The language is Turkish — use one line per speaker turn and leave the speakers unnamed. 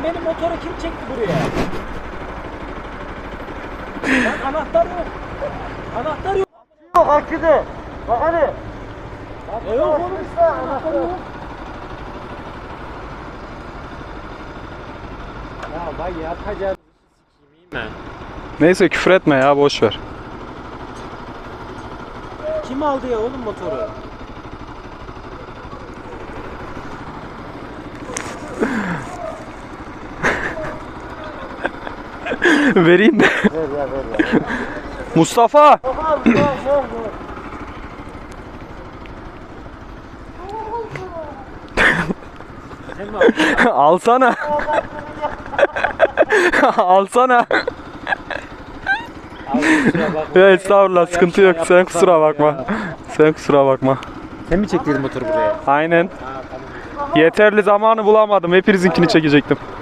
benim motoru kim çekti buraya? Lan anahtar yok. Anahtar yok.
Yok akıdı. Bak hadi.
Yok oğlum işte anahtar yok. Ya vay yapacağım. Sikeyim
Neyse küfür etme ya, boş ver.
Kim aldı ya oğlum motoru?
Vereyim mi?
Ver.
Mustafa!
Sen mi aldın?
Alsana. Alsana.
Abi kusura bakma.
Ya estağfurullah, sıkıntı yok. Sen kusura bakma. Sen kusura bakma.
Sen mi çektirdin motoru buraya?
Aynen.
Ha tamam.
Yeterli zamanı bulamadım. Hepinizinkini çekecektim.